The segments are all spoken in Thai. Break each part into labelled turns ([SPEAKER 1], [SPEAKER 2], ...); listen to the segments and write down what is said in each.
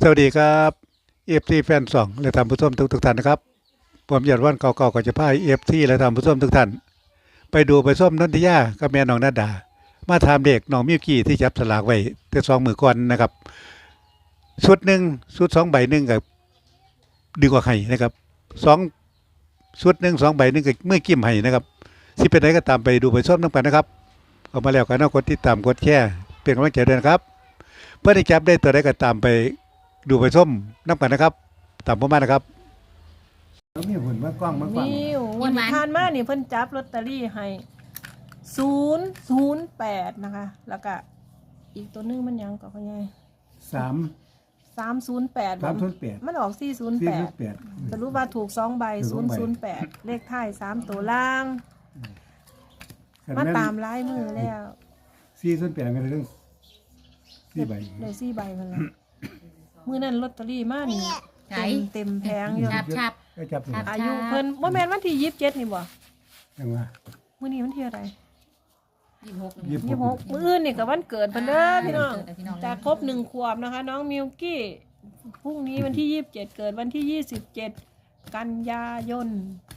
[SPEAKER 1] สวัสดีครับเอฟซีแฟนสองและท่านผู้ชมทุกท่านนะครับผมยอดวันเก่าๆก็จะพาเอฟซีและท่านผู้ชมทุกท่านไปดูไปส้มนันทิยากับแม่น้องนาดามาถามเด็กน้องมิวกี้ที่จับสลากไว้แต่2 มือก่อนนะครับชุดหนึ่งชุด2 ใบกับดีกว่าไห้นะครับสองชุดหนึ่ง2 ใบกับเมื่อกิ้มไห้นะครับสิเป็นไหนก็ตามไปดูไปส้มน้ำกันนะครับออกมาแล้วกันนะกดติดตามกดแชร์เป็นกำลังใจด้วยนะครับเพื่อที่จับได้ตัวใดก็ตามไปดูไปส้มน้ำกันนะครับตามผมมานะครับแล้วมีหุ่นมากล้องมากล้อง
[SPEAKER 2] นี่วันที่ผ่านมานี่เพิ่นจับลอตเตอรี่ให้008นะคะแล้วก็อีกตัวนึงมันยังก็พ่อใหญ่
[SPEAKER 1] สาม
[SPEAKER 2] 308
[SPEAKER 1] 308
[SPEAKER 2] มันออก408สรุปว่าถูก2 ใบ008เลขท้าย3ตัวล่างมาตามลายมือแล้ว
[SPEAKER 1] 408กันเรื่อง4 ใบ
[SPEAKER 2] ได้4 ใบมันละมื้อนั้นลอตเตอรี่มานี่เต็มแผงอยู่
[SPEAKER 3] ชับ
[SPEAKER 2] อายุเพิ่นบ่แม่นวันที่27นี่บ่
[SPEAKER 1] จังว่า
[SPEAKER 2] มื้อนี้วันที่อะไร
[SPEAKER 3] 26
[SPEAKER 2] มื้ออื่นนี่ก็วันเกิดเพิ่นเด้อพี่น้องจะครบ1 ขวบนะคะน้องมิวกี้พรุ่งนี้วันที่27เกิดวันที่27กันยายน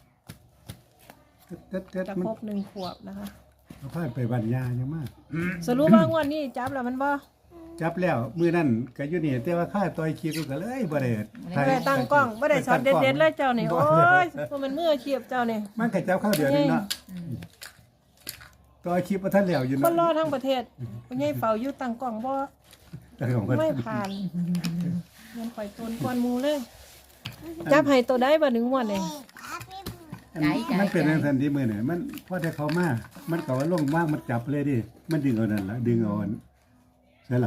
[SPEAKER 2] จะครบ1 ขวบนะคะ
[SPEAKER 1] เอาพาไปบรรยายังมาก
[SPEAKER 2] สรุปว่างวดนี้จับแล้วมันบ่
[SPEAKER 1] จับแล้วมื้อนั้นก็อยู่นี่แต่ว่าค่าต่อยคิวก็เลยบ่ได้
[SPEAKER 2] ตั้งกล้องบ่ได้ช็อตเด็ดๆเลยเจ้านี่โอ้ยบ่มันมืออาชีพเจ้านี่
[SPEAKER 1] มันก็จับข้าวเดียวนึงเนาะต่อยคลิปบ่ทันแล้วอยู่
[SPEAKER 2] เนาะคนรอทั้งประเทศบ่ใหญ่เฝ้าอยู่ตั้งกล้องบ่ไม่ผ่านเงินข่อยต้นกวนหมู่เลยจับให้ตัวใดบ่1 งวดนี่
[SPEAKER 1] มันเป็นจังซั่นที่มื้อนี่มันพอได้เข้ามามันก็ว่าลงว่างมันจับเลยดิมันดึงเอานั่นล่ะดึงเอาอันใช่ล่ะ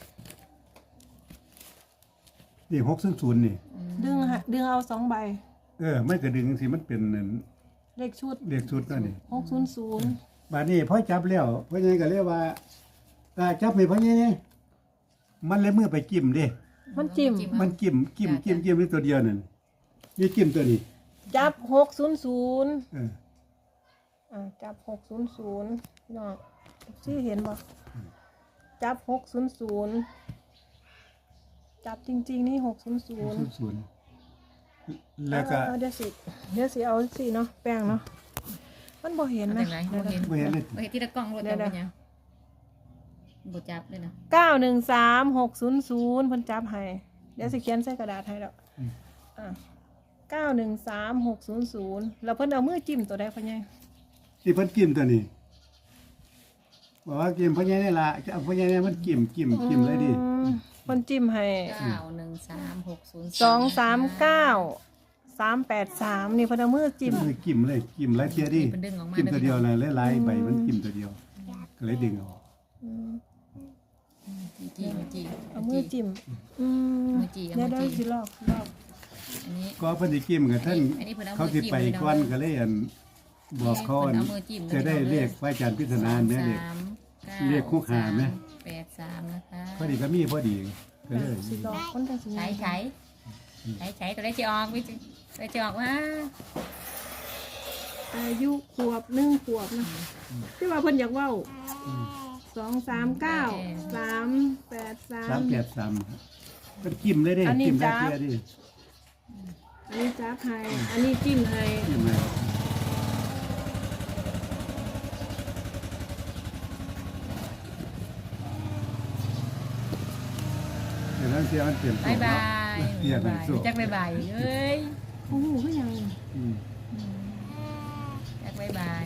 [SPEAKER 1] นี่600นี่
[SPEAKER 2] ดึงเอา2 ใบ
[SPEAKER 1] มันก็ดึงสิมันเป็น
[SPEAKER 2] เลขชุด
[SPEAKER 1] นั่นนี่
[SPEAKER 2] 600
[SPEAKER 1] บัดนี้พอจับแล้วพ่อใหญ่ก็เรียกว่าจับให้พ่อใหญ่นี่มันเลยมือไปจิ้มดิ
[SPEAKER 2] มันจิ้ม
[SPEAKER 1] นี่ตัวเดียวนั่นนี่จิ้มตัวนี้
[SPEAKER 2] จับ600จับ600เนาะสิเห็นบ่จับ600จับจริงๆนี่600
[SPEAKER 1] แล้วก็
[SPEAKER 2] เดี๋ยวสิเอาสิเนาะแป้งเนาะมันบ่เห็นนะ
[SPEAKER 1] บ่เห็นเลย
[SPEAKER 3] ที่ตะกล้องรถได้ยังบ่จับเลยนะ
[SPEAKER 2] 913600เพิ่นจับให้เดี๋ยวสิเขียนใส่กระดาษให้แล้ว913600แล้วเพิ่นเอามือจิ้มตัวใดพ่อใหญ่
[SPEAKER 1] ที่เพิ่นจิ้มตัวนี้บอกว่าจิ้มพ่อใหญ่นี่ล่ะเอาพ่อใหญ่นี่มันจิ้มเลยดิ
[SPEAKER 2] เพิ่นจิ้มให้21360339 นี่เพิ่นเอามือจิ้ม
[SPEAKER 1] เลยจิ้มหลายเที่ยดิจิ้มตัวเดียวเลยหลายๆใบมันจิ้มตัวเดียวก็เลยดึงออก
[SPEAKER 2] เอามือจิ้มเดี๋ยวสิลอก
[SPEAKER 1] อันนี้ก็เพิ่นสิจิ้มกับท่านเขาสิไปก่อนก็เลยบอกเขาจะได้เรียกพระอาจารย์พิธนาเนี่ยเรียกคู่หามั้ย
[SPEAKER 3] 83นะคะ
[SPEAKER 1] พอดีก็มีพอดีก็เลย
[SPEAKER 2] สิลอกคนจังสิ
[SPEAKER 3] ใช้ตัวได้สิออกวิได้สิออกว่า
[SPEAKER 2] อายุขวบ1 ขวบนะที่ว่าเพิ่นอยากเว้า239 383
[SPEAKER 1] ก็จิ้มเลยดิจิ้มได้เที่ยดิ
[SPEAKER 2] อันนี้จับให้อันนี้จิ้มให้
[SPEAKER 1] เดี๋ยวนั้นเสียมันเปลี่ยน
[SPEAKER 3] บายจักบายเอ้ย
[SPEAKER 2] โอ้โหก็ยัง
[SPEAKER 3] จักบาย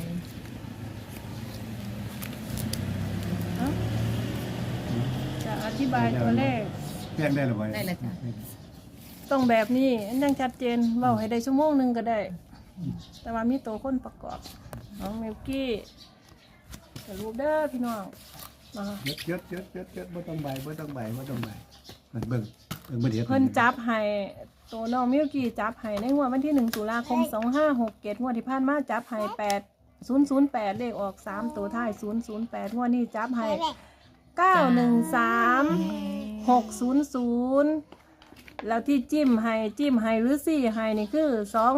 [SPEAKER 2] จะอธิบายตัวเลข
[SPEAKER 1] แจ้งได้หรือไม่
[SPEAKER 3] ได้แล้วจ้ะ
[SPEAKER 2] ต้องแบบนี้ยังชัดเจนเว้าให้ได้ชั่วโมงนึงก็ได้แต่ว่ามีตัวคนประกอบน้องมิวกี้จะรูปเด้อพี่น้อง
[SPEAKER 1] ยศบ่ต้องใบมันเบิ่งบ่เดี๋ยว
[SPEAKER 2] เพิ่นจับให้ตัวน้องมิวกี้จับให้ในงวดวันที่1 ตุลาคม 2567งวดที่ผ่านมาจับให้8008เลขออก3ตัวท้าย008งวดนี้จับให้913600แล้วที่จิ้มให้หรือ4ให้นี่คือ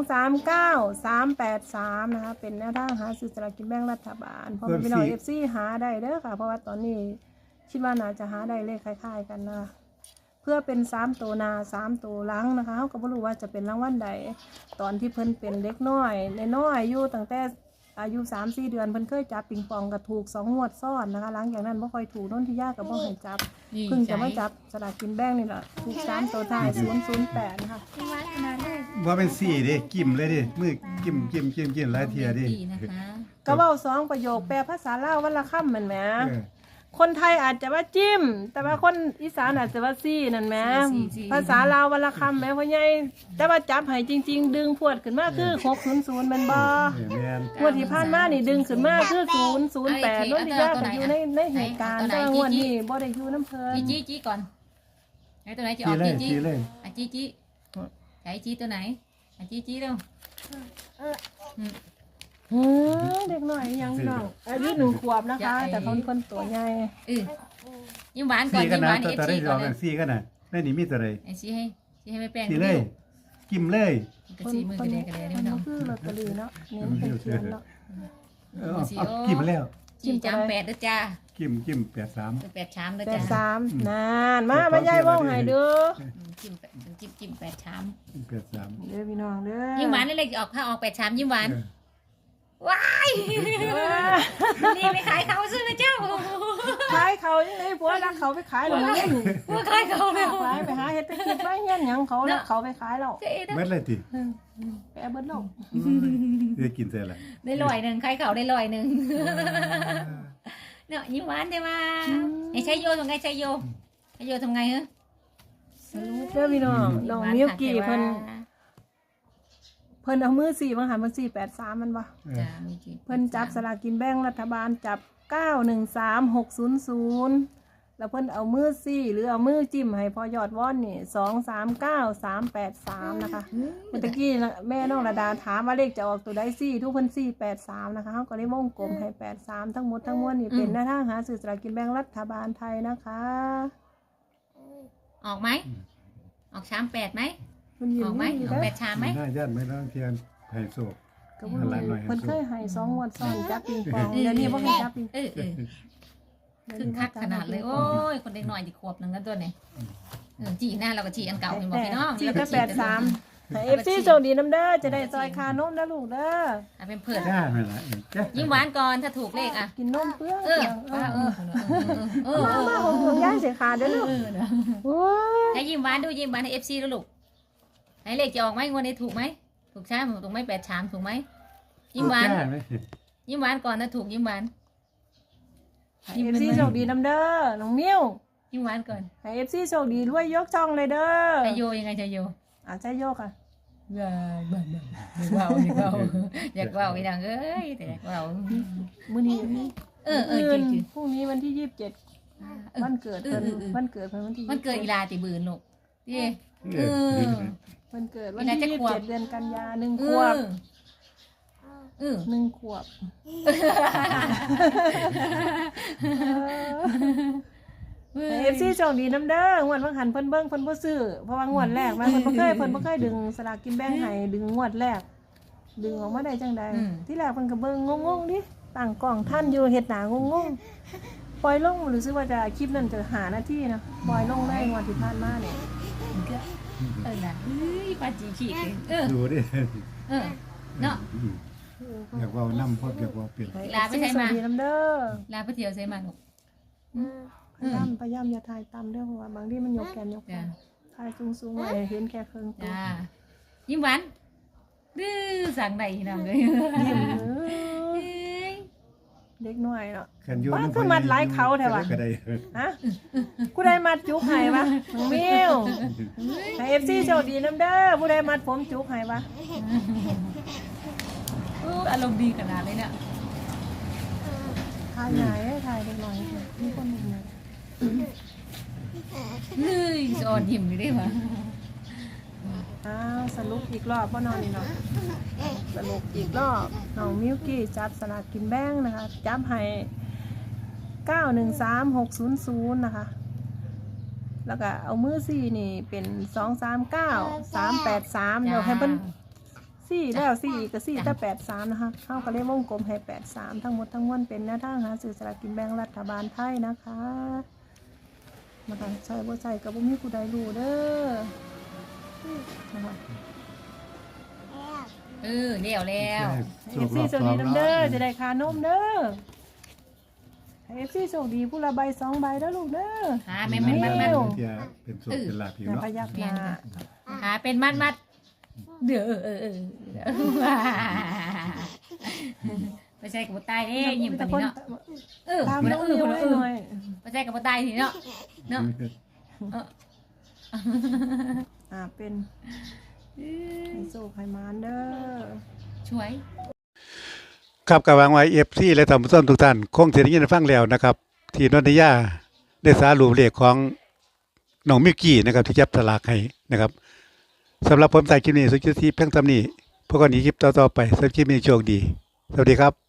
[SPEAKER 2] 239383นะคะเป็นแนวทางหาซื้อสลากกินแบ่งรัฐบาลเพราะพี่น้อง FC หาได้เด้อค่ะเพราะว่าตอนนี้คิดว่าน่าจะหาได้เลขคล้ายๆกันนะพื่อเป็น3ตัวหน้า3ตัวหลังนะคะเขาก็บ่รู้ว่าจะเป็นรางวัลใดตอนที่เพิ่นเป็นเด็กน้อยน้อยอยู่ตั้งแต่อายุ 3-4 เดือนเพิ่นเคยจับปิงปองก็ถูก2งวดซ้อนนะคะหลังจากนั้นบ่ค่อยถูกนนทิยาก็บ่ให้จับเพิ่งจะมาจับสลากกินแบ่งนี่แหละถูก3ตัวท้าย008นะคะ
[SPEAKER 1] ว่าเป็นสี่เด้กิ่มเลยดิมือกิ่มหลายเทียดิ
[SPEAKER 3] นะคะ
[SPEAKER 2] ก็เว้า2ประโยคแปลภาษาลาววันละคำแม่นแหม
[SPEAKER 1] เออ
[SPEAKER 2] คนไทยอาจจะว่าจิ้ม แต่ว่าคนอีสานอาจจะว่าซี่นั่นแหมภาษาลาววันละคำแหมพ่อใหญ่แต่ว่าจับให้จริง ๆ ดึงพวดขึ้นมาคือ600แม่นบ่
[SPEAKER 1] แม่น
[SPEAKER 2] งวดที่ผ่านมานี่ดึงขึ้นมาคือ008นนทิยาก็อยู่ในเหตุการณ์แต่ว่างวดนี้บ่ได้อยู่น้ำเพิ่น
[SPEAKER 3] จี้ก่อนไหนตัวไหนจะอ
[SPEAKER 1] ที
[SPEAKER 3] อก
[SPEAKER 1] เลย
[SPEAKER 3] จี้
[SPEAKER 1] ทีเลย
[SPEAKER 3] จี้ใช้จี้ตัวไหนจี้เร็ว
[SPEAKER 2] เด็กหน่อยยังน้องอายุ1 ขวบนะคะ แต่เขาคนตัวใหญ่
[SPEAKER 3] ยิ้มหวานก่อน
[SPEAKER 1] สี่กัน
[SPEAKER 3] ยิ้มห
[SPEAKER 1] นะ
[SPEAKER 3] วาน
[SPEAKER 1] ตัว
[SPEAKER 3] เอฟ
[SPEAKER 1] ได้
[SPEAKER 3] ซี
[SPEAKER 1] ร
[SPEAKER 3] ก่
[SPEAKER 1] อ
[SPEAKER 3] อน
[SPEAKER 1] กันสี่กันนะแม่นี่มีตัวใด
[SPEAKER 3] ไอ้ชี้ให้ไม่แป้ง
[SPEAKER 1] สี่เลยกิ่มเลย
[SPEAKER 3] กระสีมือกระเดกระเดนี่
[SPEAKER 2] มั
[SPEAKER 3] มัน น
[SPEAKER 2] ก็
[SPEAKER 3] เนาะ
[SPEAKER 2] คือลอตเตอรี่เนาะเน้นเป็นเขียนเนาะ
[SPEAKER 1] เอากิ่มแล้ว
[SPEAKER 3] จี้จำ8ด้วยจ้า
[SPEAKER 1] กิ่ม83
[SPEAKER 3] 8ชามด้วย
[SPEAKER 2] แต่
[SPEAKER 3] จ้า
[SPEAKER 2] 3นานมาใหญ่ว่องให้เด้อ
[SPEAKER 3] จิ้ม8ชาม
[SPEAKER 1] 83
[SPEAKER 2] เด้อพี่น้องเด้อ
[SPEAKER 3] ยิ้มหวานนี่เลยออกข้าวออก8ชามยิ้มหวานว้ายนี่ไปขายเขาซื้อนะเจ้า
[SPEAKER 2] ขายเขายังไงผัวรักเขาไปขายหรอเงี้ย
[SPEAKER 3] ว่าขายเขาแล้ว
[SPEAKER 2] ไปหาเฮ็ดตะกิดไว้เงี้ยหยังเขาแล้วเขาไปขายแล้ว
[SPEAKER 1] เม็ดเลยติ
[SPEAKER 2] ไปเอาเบิดแล้ว
[SPEAKER 1] ได้กินเสร็จแล้ว
[SPEAKER 3] ได้100ขายเขาได้100เนาะยิ้มหวานได้มาไอ้ชัยโยทำไงชัยโยทำไงฮะ
[SPEAKER 2] เด้อพี่น้องน้องมิวกี้เพิ่นเอามือ4มาหามัน483มันบ่
[SPEAKER 3] จ้ามีกี่
[SPEAKER 2] เพิ่นจับสลากกินแบ่งรัฐบาลจับ913600แล้วเพิ่นเอามือ4หรือเอามือจิ้มให้พอยอดว่อนนี่239383นะคะเมื่อกี้แม่น้องระดาถามว่าเลขจะออกตัวใด4ทุกเพิ่น483นะคะเฮาก็เลยวงกลมให้83ทั้งหมดทั้งมวลนี่เป็นแนวทางหาซื้อสลากกินแบ่งรัฐบาลไทยนะคะ
[SPEAKER 3] ออกไหมออกชาม8ไหม
[SPEAKER 2] เพิ่นยิ้
[SPEAKER 3] ออกไหม
[SPEAKER 2] อยู่
[SPEAKER 3] ออก
[SPEAKER 2] เด้อ
[SPEAKER 3] 8ชามไหม
[SPEAKER 1] น่าญาติไม่ต้องเทียนไผ่โศก
[SPEAKER 2] ก็บ่รู้เพิ่นเคยให้2งวดซ้อนจับปิงปองเดี๋ยวนี้บ่ให้จับปิงปอง
[SPEAKER 3] คือคักขนาดเลยโอ้ยคนเด็กหน่อยที่ขวบหนึ่งกันตัวเนี่ยจีหน้าเราก็จีอันเก่าเห็นบอกพี่น้อง
[SPEAKER 2] จีก็83ให้ FC โชคดีนำเด้อจะได้ซอยคานมนะลูกเด้อ
[SPEAKER 3] เป็นเพื่อน
[SPEAKER 1] จ้านั่นล่ะจ้า
[SPEAKER 3] ยิ้มหวานก่อนถ้าถูกเลขอ่ะ
[SPEAKER 2] กินนมเปลือง
[SPEAKER 3] มา
[SPEAKER 2] ของย่างเสียขาเด้อลูกโอ้ย
[SPEAKER 3] ให้ยิ้มหวานดูยิ้มหวานให้FCแล้วลูกให้เลขจะออกไหมงวดนี้ถูกไหมถูกใช่ไหมถูกไหม8ชามถูกไหมยิ้มหวานยิ้มหวานก่อนถ้าถูกยิ้มหวาน
[SPEAKER 2] ให้ FC โชคดีนำเด้อน้องมิ้ว
[SPEAKER 3] ยิ้มหวานก่อน
[SPEAKER 2] ให้ FC โชคดีรวยยกช่องเลยเด้อ
[SPEAKER 3] จะโยยังไงจะโย
[SPEAKER 2] ใช่โยกอ่ะ
[SPEAKER 3] อยากเบาอีดังเอ้ยแต่อยากเบา
[SPEAKER 2] มื้อนี้
[SPEAKER 3] จริง
[SPEAKER 2] พรุ่งนี้วันที่27วันเกิดเพิ่นวันเกิดเพิ่นวันที่
[SPEAKER 3] มันเกิดอีลาติบืนลูกที่
[SPEAKER 2] วันเกิดวันที่27เดือนกันยา1 ขวบ1 ขวบFC โชคดีนำเด้องวดบางหันเพิ่นเบิ่งเพิ่นบ่ซื้อเพราะว่างวดแรกมาเพิ่นบ่เคยดึงสลากกินแบ่งให้ดึงงวดแรกดึงออกมาได้จังไดที่แรกเพิ่นก็เบิ่งงงๆดิตั้งกล้องท่านอยู่เฮ็ดหน้างงๆปล่อยลงรู้สึกว่าจะคลิปนั้นจะ5 นาทีนะปล่อยลงได้งวดที่ผ่านมาเนี่ย
[SPEAKER 3] นะปาจีขี้
[SPEAKER 1] ดูดิ
[SPEAKER 3] เนาะ
[SPEAKER 1] อยากว่าน้ำพอดอยากว่าเปลี่ยน
[SPEAKER 3] ลาไปใช้มา
[SPEAKER 2] สวัสดีน้ำเด้อ
[SPEAKER 3] ลาไปเที่ยวใช่มาลูก
[SPEAKER 2] พยายามอย่าถ่ายต่ำเด้อเพราะว่าบางทีมันยกแขนยกขาถ่ายสูงๆไว้เห็นแค่ครึ่งตัว
[SPEAKER 3] จ้ายิ้มหวานดื้อสั่งใดน้องเลย
[SPEAKER 2] ยิ้มเด็กน้อยเนาะ
[SPEAKER 1] ขันยู
[SPEAKER 2] ว่าคือมัดหลายเขาแท้วะ
[SPEAKER 1] ก็ได้
[SPEAKER 2] ฮะผู้ใดมัดจุกให้วะน้องมิวให้ FC โชคดีน้ำเด้อผู้ใดมัดผมจุกให้วะ
[SPEAKER 3] อารมณ์ดีขนาดเลยเนี่ย
[SPEAKER 2] ถ่ายไหนถ่ายเด็กน้อยมีคนหนึ่งนะ
[SPEAKER 3] เฮ้ยสอนยิ้มอยู่ได้ปะ
[SPEAKER 2] สรุปอีกรอบพ่อนอนนี่เนาะสรุปอีกรอบน้องมิวกี้จับสลากกินแบ่งนะคะจับให้913600นะคะแล้วก็เอามือ4นี่เป็น239383เดี๋ยวให้เพิ่น4แล้ว4อีกก็4แต่83นะคะเฮาก็เลยวงกลมให้83ทั้งหมดทั้งมวลเป็นแนวทางหาซื้อสลากกินแบ่งรัฐบาลไทยนะคะนะคะใส่บ่ใส่ก็บ่มีผู้ใดรู้เด้อนะคะ
[SPEAKER 3] เลี้ยวแล้ว
[SPEAKER 2] FC โชคดีนํเด้อจะได้ค่านมเด้อให้ FC โชคดีผู้ละใบ2ใบเด้อลูกเด้อ
[SPEAKER 3] หาแม่นมัด
[SPEAKER 1] ที่เป็นสุขเป็นลาภอยู่
[SPEAKER 2] อย่า
[SPEAKER 1] เนาะ
[SPEAKER 2] พยักหน้า
[SPEAKER 3] หาเป็นมัดเด้อไม่ใช่กับตายเด้ยิ้มปานนี้เนาะ
[SPEAKER 2] ตามน้องนิวให้หน่อย
[SPEAKER 3] ไม่ใช่กับตายทีเนาะ
[SPEAKER 2] เป็นให้โชคให้มานเด้อ
[SPEAKER 3] ช่วย
[SPEAKER 1] ครับกับวางไว้ FC และท่านผู้ชมทุกท่านคงสิได้ยินได้ฟังแล้วนะครับ ที่นนทยาได้สารุปเลขของน้องมิวกี้นะครับที่จับสลากให้นะครับสำหรับผมใส่คลิปนี้สุดที่เพียงเท่านี้พวกกันนี้คลิปต่อๆไปสำหรับคลิปนี้โชคดีสวัสดีครับ